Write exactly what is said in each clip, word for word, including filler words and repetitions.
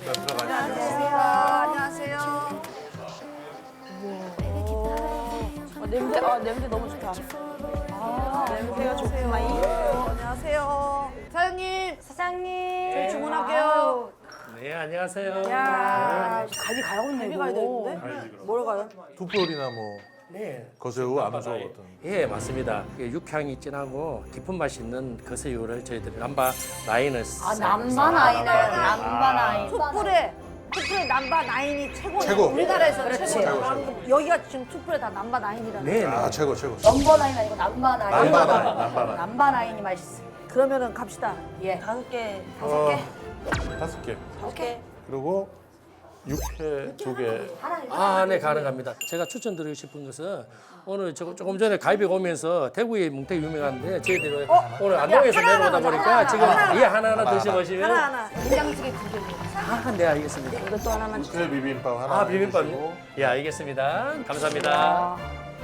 안녕하세요. 안녕하세요. 어, 냄새, 아, 냄새 너무 좋다. 아, 냄새가 좋구만. 안녕하세요. 사장님, 사장님. 저희 주문할게요. 네, 안녕하세요. 야, 갈비 가야겠네. 갈비 가야 되는데? 뭐로 가요? 툭불이나 뭐 네. 거새우, 암소 남바다에- 어떤. 예, 맞습니다. 이게 육향이 진하고 깊은 맛이 있는 거새우를 저희들이 남바 라인을 아, 남반 아이네. 남반 아이. 툭불에 툭불에 남바 나인이 최고예요. 최고. 우리나라에서 그렇지. 최고예요. 방금 여기가 지금 툭불에 다 남바 나인이라는. 네, 네. 아 최고 최고. 넘버 나인 아니고 남반 아이. 남반 아이, 남반 아이. 남반 아이니 맛있어. 그러면은 갑시다. 예. 다섯 개. 다섯 개. 다섯 개. 다섯 개. 그리고 육회 두 개. 아, 네, 가능합니다. 제가 추천드리고 싶은 것은 오늘 저- 조금 전에 갈비가 오면서 대구에 뭉태기 유명한데 저희들이 오늘 안동에서 하나 내려오다 하나 보니까 하나 지금 하나 예, 하나하나 드셔보시면 하나 하나. 된장찌개 두 개. 아, 네, 알겠습니다. 이것도 하나만 주세요. 육회 비빔밥 하나. 아, 비빔밥. 주시고. 예, 알겠습니다. 감사합니다.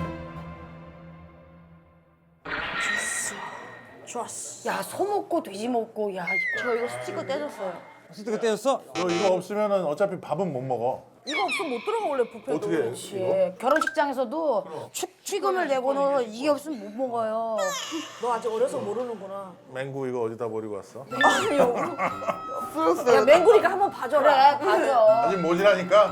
좋았어. 야, 소 먹고 돼지 먹고, 야, 저 이거 스티커 떼줬어요. 스티커 떼었어? 너 이거 없으면은 어차피 밥은 못 먹어. 이거 없으면 못 들어가 원래 뷔페도. 어떻게 해? 예. 결혼식장에서도 축, 취금을 내고는 이게 없으면 못 먹어요. 너 아직 어려서 모르는구나. 맹구 이거 어디다 버리고 왔어? 야 맹구리가 한번 봐줘라. 그래, 맞아. 아직 모자라니까.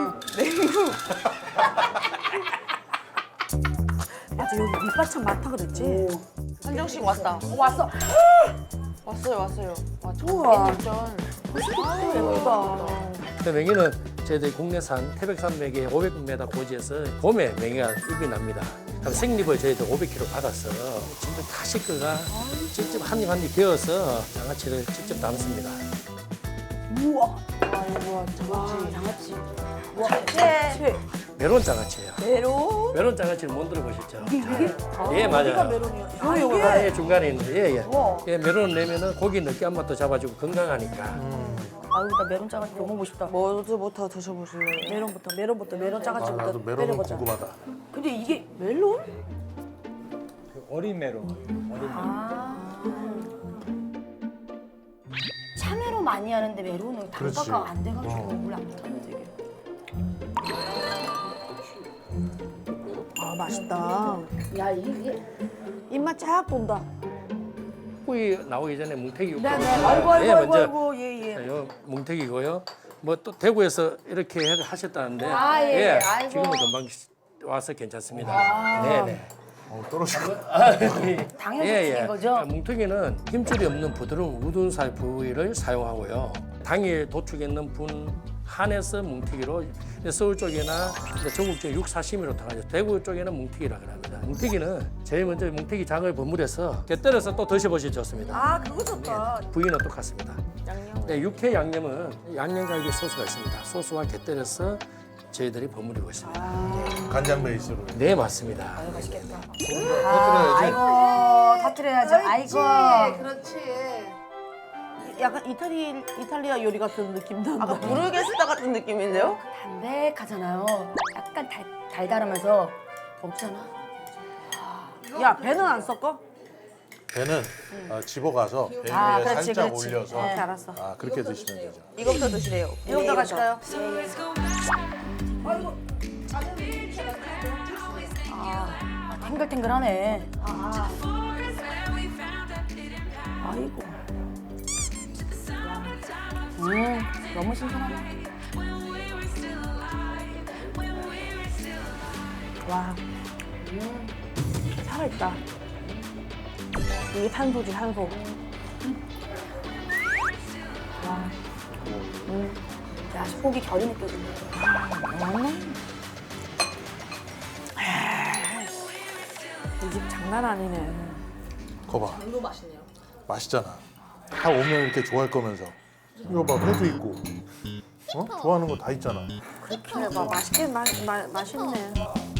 맞아 여기 밑반찬 많다 그랬지. 한정식 왔다. 어, 왔어. 왔어요, 왔어요. 와, 우와. 전 예쁘다. 그 맹이는 저희들이 국내산 태백산맥의 오백 미터 고지에서 봄에 맹이가 입이 납니다. 그럼 생립을 저희들 오백 킬로그램 받아서 직접 다 식구가 직접 한 입 한 입 베어서 장아찌를 직접 담습니다. 우와. 아이고, 장아찌. 장아찌. 네. 메론 장아찌예요. 메론. 메론 장아찌를 못 들어보셨죠? 이게 이게? 예, 어디가 맞아요. 메론이야? 아, 아, 이게 예, 중간에 있는데, 예, 예. 우와. 예, 메론을 내면은 고기 느끼한 맛도 잡아주고 건강하니까. 아유, 나 메론 장아찌 너무 먹고 싶다. 뭐부터 드셔보실래요? 메론부터 메론부터 메론 아, 짜가지고부터 나도 메론은 때려보자. 궁금하다. 근데 이게 멜론? 그 어린 메론. 어린 아. 참외로 많이 하는데 메론은 그렇지. 단가가 안 돼가지고 어. 원래 안 못하는데 이게. 아 맛있다. 야, 이게. 입맛 쫙 돈다. 후이 나오기 전에 뭉태기 육수. 네네. 아이고, 아이고, 예, 아이고, 먼저 아이고, 예, 예. 요 뭉태기고요. 뭐 또 대구에서 이렇게 해- 하셨다는데 아, 예, 아이고. 지금은 금방 와서 괜찮습니다. 네네. 어, 떨어지고. 당연히 튀긴 거죠? 뭉태기는 힘줄이 없는 부드러운 우둔살 부위를 사용하고요. 당일 도축했는 분 한에서 뭉태기로 서울 쪽이나 전국 쪽 육사시미로 통하죠. 대구 쪽에는 뭉태기라고 합니다. 뭉태기는 제일 먼저 뭉태기 장을 버무려서 곁들여서 또 드셔보시면 좋습니다. 아 그거 좋다. 부위는 똑같습니다. 양념. 네, 육회 양념은 양념갈비 소스가 있습니다. 소스와 곁들여서 저희들이 버무리고 있습니다. 간장 베이스로. 네, 맞습니다. 터뜨려야지. 아이고, 터트려야죠. 아이고. 그렇지. 약간 이탈리 이탈리아 요리 같은 느낌 난다. 아까 부르게스타 같은 느낌인데요? 담백하잖아요. 약간 달, 달달하면서 없잖아. 야 배는 안 섞어? 배는 아, 집어가서 배 위에 아, 그렇지, 살짝 그렇지. 올려서 네. 알았어. 아 그렇게 드시면 되죠. 이거부터 드시래요. 이거부터 가실까요? 아, 탱글탱글하네. 아이고. 음, 너무 신선하네. 와. 음. 살아있다. 이게 산소지 산소. 야, 소고기 결이 느껴지네. 이 집 장난 아니네. 거봐. 이거 맛있네요. 맛있잖아. 다 오면 이렇게 좋아할 거면서. 이거 봐, 회도 있고. 어? 좋아하는 거 다 있잖아. 그래 봐 맛있게 마, 마, 맛있네.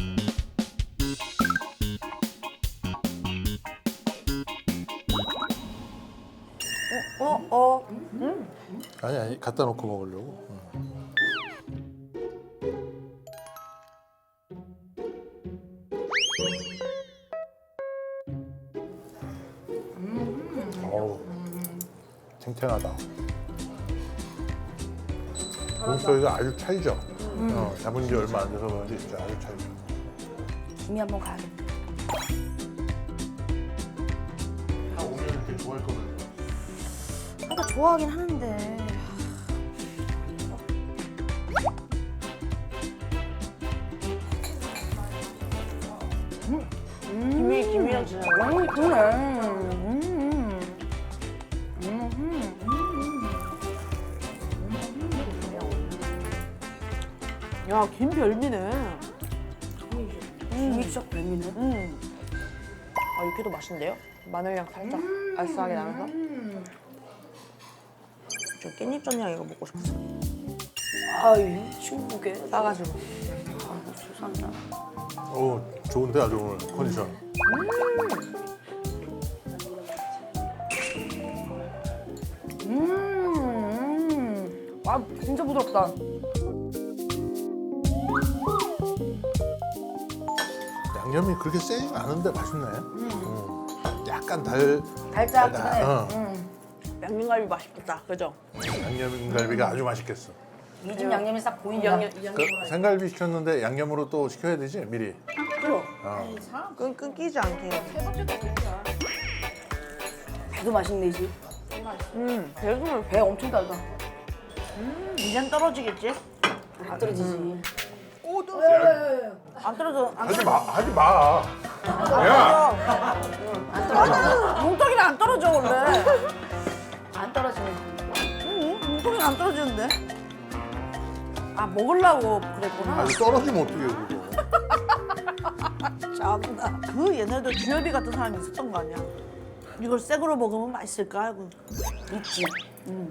어? 어? 아니 아니 갖다 놓고 먹으려고. 응. 어우 탱탱하다. 목소리가 아주 차이죠. 어, 잡은 지 얼마 안 돼서 그런지 진짜 아주 차이죠. 김이 한번 가야겠다. 다 오면 이렇게 좋아할 거면서. 나 좋아하긴 하는데. 김이 김이랑 진짜. 음, 그러네. 음. 야, 김 별미네. 김이 진짜 별미네. 음. 아 육회도 맛있는데요? 마늘향 살짝 알싸하게 나면서. 저 깻잎 전향 이거 먹고 싶었어. 아이, 친구게. 싸가지고. 아, 수산다. 오, 좋은데 아주 오늘 컨디션. 음. 아, 진짜 부드럽다. 양념이 그렇게 세지 않은데 맛있네. 음. 약간 달, 달짝지근해. 어. 음. 양념갈비 맛있겠다. 그죠? 양념갈비가 아주 맛있겠어. 이 집 양념이 싹 보인다. 양념 이 양념. 그 생갈비 시켰는데 양념으로 또 시켜야 되지 미리. 그럼. 어. 끈 끊기지 않게. 배도 맛있네, 이 집. 음. 배송을 배 엄청 달다. 이젠 떨어지겠지? 안 떨어지지. 안 떨어져. 안 하지 마, 하지 마. 야, 떨어져. 뭉텅이는 안 떨어져 원래. 안 떨어지네. 응, 뭉텅이는 안 떨어지는데. 아, 먹으려고 그랬구나. 아니 떨어지면 어떡해 그거. 참나. 그 옛날에도 주엽이 같은 사람이 있었던 거 아니야? 이걸 생으로 먹으면 맛있을까 하고. 있지. 음.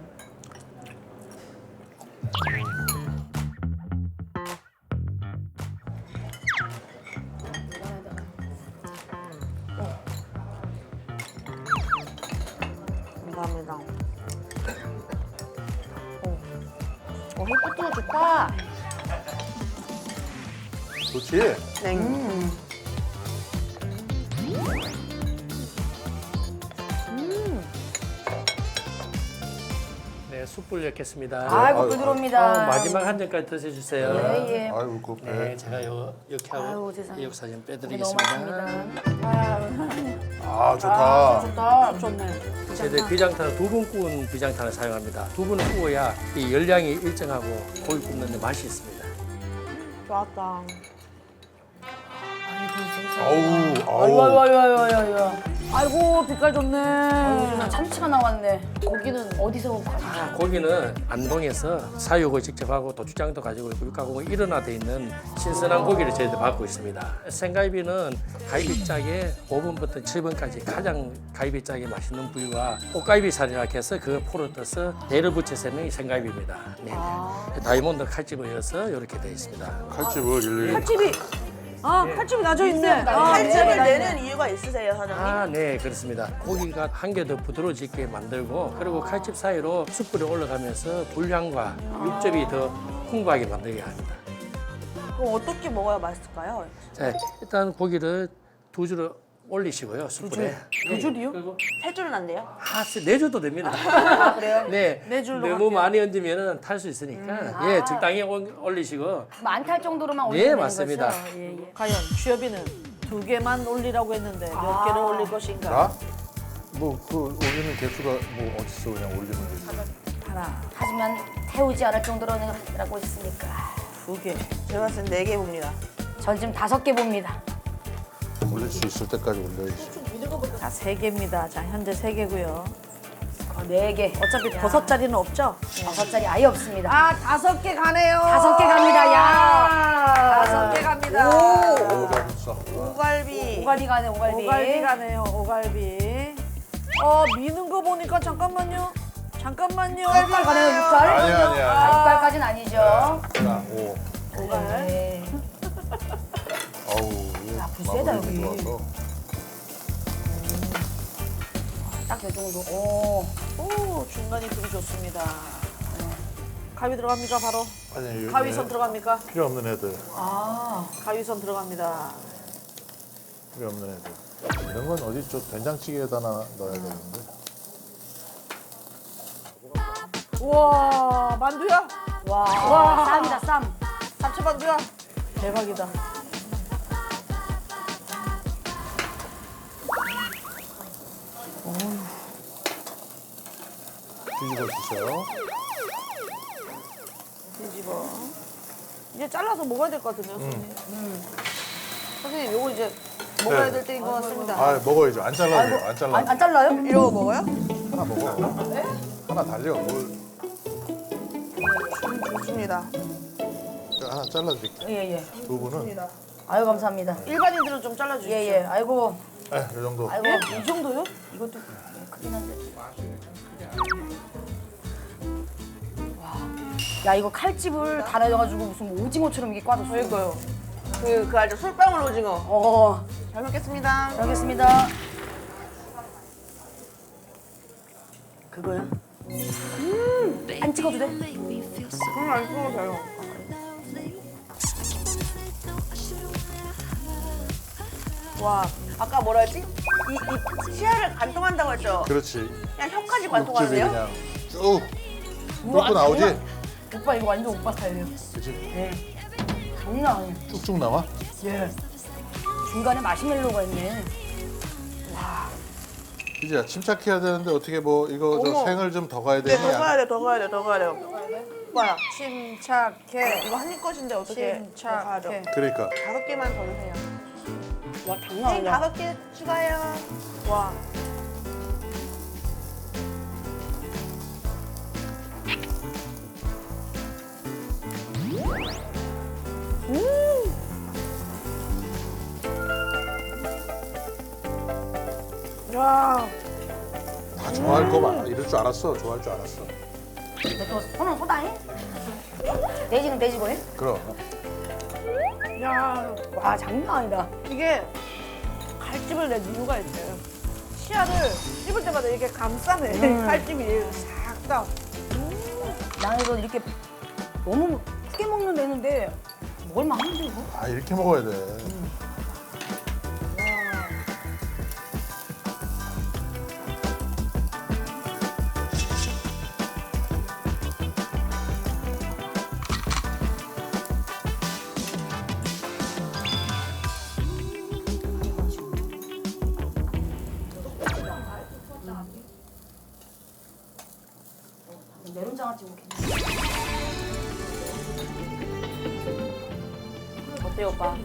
감사합니다. 어, 햇빛도 좋다. 좋지. 네. 네, 숯불 넣겠습니다. 아이고, 아유, 부드럽니다. 어, 마지막 한 잔까지 드셔주세요. 예, 예. 아이고 그 배. 네, 제가 요 이렇게 아유, 하고 세상에. 이역 사진 고기 너무 빼드리겠습니다. 맛있습니다. 아 좋다. 좋다. 좋네. 저희들 비장탄 두 분 구운 비장탄을 사용합니다. 두 분을 구워야 이 열량이 일정하고 고기 굽는데 맛이 있습니다. 좋았다. 아우 아이고, 아우. 아이고, 아이고, 아이고, 아이고. 아이고, 빛깔 좋네. 아이고, 참치가 나왔네. 고기는 어디서 가져가? 고기는 안동에서 사육을 직접 하고 도축장도 가지고 있고 육가공이 일원화돼 있는 신선한 고기를 저희들 받고 있습니다. 생갈비는 갈비짝에 오 분부터 칠 분까지 가장 갈비짝이 맛있는 부위와 꽃갈비살이라 해서 그 포를 떠서 대를 붙여서 있는 이 생갈비입니다. 네. 다이몬드 칼집을 이어서 이렇게 되어 있습니다. 칼집을 일일이. 칼집이. 아, 칼집이 나져 있네. 아, 칼집을 네. 내는 이유가 있으세요, 사장님? 아, 네, 그렇습니다. 고기가 한 개 더 부드러워지게 만들고 그리고 칼집 사이로 숯불이 올라가면서 불향과 육즙이 더 풍부하게 만들게 합니다. 그럼 어떻게 먹어야 맛있을까요? 자, 일단 고기를 두 줄을 올리시고요, 숯불에. 두 줄이요? 그리고 세 줄은 안 돼요? 한 네 줄도 됩니다. 아, 그래요? 네, 네 줄로 너무 갈게요. 많이 얹으면 탈 수 있으니까 예, 적당히 올- 올리시고 많탈 정도로만 네, 올리면 되는 맞습니다. 거죠? 예, 예. 과연 주엽이는 두 개만 올리라고 했는데 몇 개를 올릴 것인가? 나? 뭐 그 올리는 개수가 뭐 어딨어 그냥 올리면 되지. 하나, 하지만 태우지 않을 정도로는 라고 했으니까. 두 개. 제가 봤을 땐 네 개 봅니다. 전 지금 다섯 개 봅니다. 올릴 수 있을 때까지 올려야지. 자, 세 개입니다. 자, 현재 세 개고요. 어, 네 개. 어차피 버섯 자리는 없죠? 다섯 자리 아예 없습니다. 아, 다섯 개 가네요. 다섯 개 갑니다. 야. 다섯 개 갑니다. 어우 맛있어. 오갈비. 오갈비 가네, 오갈비. 오갈비 가네요. 오갈비. 어, 미는 거 보니까 잠깐만요. 잠깐만요. 육갈 가네요, 육갈. 아니야 아니야. 육갈까지는 아니죠. 자, 오. 네. 아우. 야, 불세다, 마무리 여기. 좋아서. 딱 요 정도. 오. 오, 중간이 불이 좋습니다. 가위 들어갑니까, 바로? 아니 여기 가위선 들어갑니까? 필요 없는 애들. 아. 가위선 들어갑니다. 필요 없는 애들. 이런 건 어디 저 된장찌개에다 나 넣어야 되는데. 우와, 만두야? 와, 쌈이다, 쌈. 잡채반도야. 대박이다. 뒤집어 주세요. 뒤집어. 이제 잘라서 먹어야 될 것 같은데요, 선생님. 선생님, 요거 이제 먹어야 네. 될 때인 것 같습니다. 아 먹어야죠. 안 잘라도 돼요. 안 잘라. 안, 안 잘라요? 이러고 먹어요? 하나 먹어. 하나 달려. 뭘 좋습니다. 하나 잘라드릴게요. 예, 예. 두 분은 아유, 감사합니다. 일반인들은 좀 잘라주시죠. 예, 예. 아이고, 네, 이 정도. 아이고. 이 정도요? 이것도 예, 크긴 한데. 와. 야, 이거 칼집을 다 내려가지고 무슨 오징어처럼 이게 꽈졌어. 그러니까요. 그, 그 알죠? 솔방울 오징어. 어, 잘 먹겠습니다. 잘 알겠습니다. 그거야? 음, 안 찍어도 돼? 그럼 안 찍어도 돼요. 와, 아까 뭐라 했지? 이, 이 치아를 관통한다고 했죠? 그렇지. 그냥 혀까지 육즙이 관통하네요? 그냥 쭉 뚫고 나오지? 오빠 이거 완전 오빠 스타일이에요. 그렇지. 장난 아니야. 쭉쭉 나와? 예. 중간에 마시멜로가 있네. 이제 침착해야 되는데 어떻게 뭐 이거 저 어머. 생을 좀 더 가야 네, 되냐? 더 가야 돼, 더 가야 돼, 더 가야 돼. 오빠야, 침착해. 이거 한입 것인데 어떻게 침착해. 그러니까 다섯 개만 더 주세요. 와, 장난 선생님 아니야. 다섯 개 추가요. 와. 음. 야. 다 좋아할 거 많아. 이럴 줄 알았어. 좋아할 줄 알았어. 너 손은 소다해? 돼지는 돼지고 해? 그럼 야. 와, 장난 아니다. 이게 칼집을 낸 이유가 있어요. 치아를 씹을 때마다 이렇게 감싸네. 음. 칼집이 싹 다. 나는 이거 이렇게 너무 크게 먹는 애는데 먹을만 한데 이거? 아 이렇게 먹어야 돼. 메론장아찌 먹겠네. 어때요, 오빠?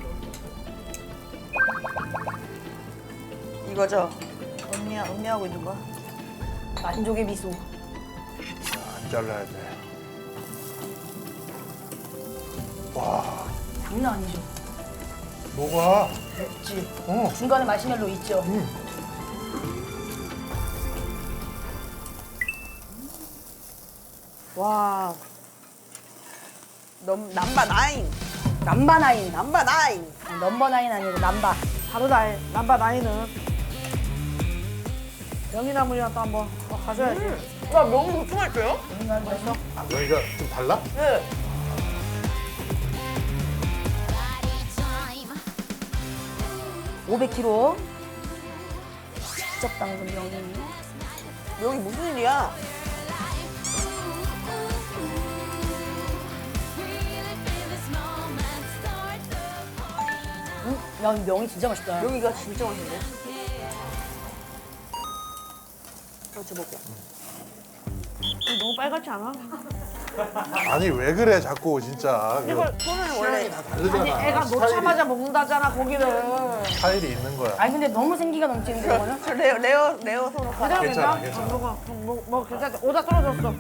이거죠? 언니, 언니하고 있는 거? 만족의 미소. 안 잘라야 돼. 와 장난 아니죠? 뭐가? 맵지? 어. 중간에 마시멜로 있죠? 와. 넘, 남바 나인. 남바 나인. 남바 나인. 넘버 나인 아니고 남바. 바로 나인. 남바 나인은. 명이나물이랑 또 한번 더 가져야지. 와, 명이 그렇게 맛있어요? 맛있어? 아, 여기가 좀 달라? 네. 오백 킬로그램. 직접 담근 명이. 명이 무슨 일이야? 음, 야, 이 명이 진짜 맛있다. 명이가 진짜 맛있네. 같이 먹게. 너무 빨갛지 않아? 아니 왜 그래 자꾸 진짜. 그 이걸 손을 원래 다르잖아. 애가 놓자마자 먹는다잖아 고기를. 스타일이 있는 거야. 아니 근데 너무 생기가 넘치는데 이거는? 저 레어 레어 레어 손으로 가. 괜찮아, 괜찮아. 먹어 뭐, 뭐 괜찮아. 오다 떨어졌어.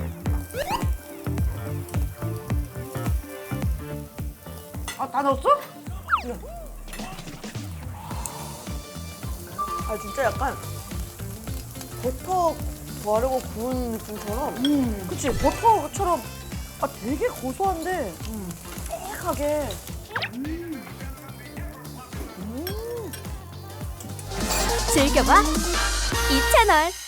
아 다 넣었어? 아 진짜 약간 버터 바르고 구운 느낌처럼. 음. 그치 버터처럼. 아 되게 고소한데 빽하게. 즐겨봐 이 채널.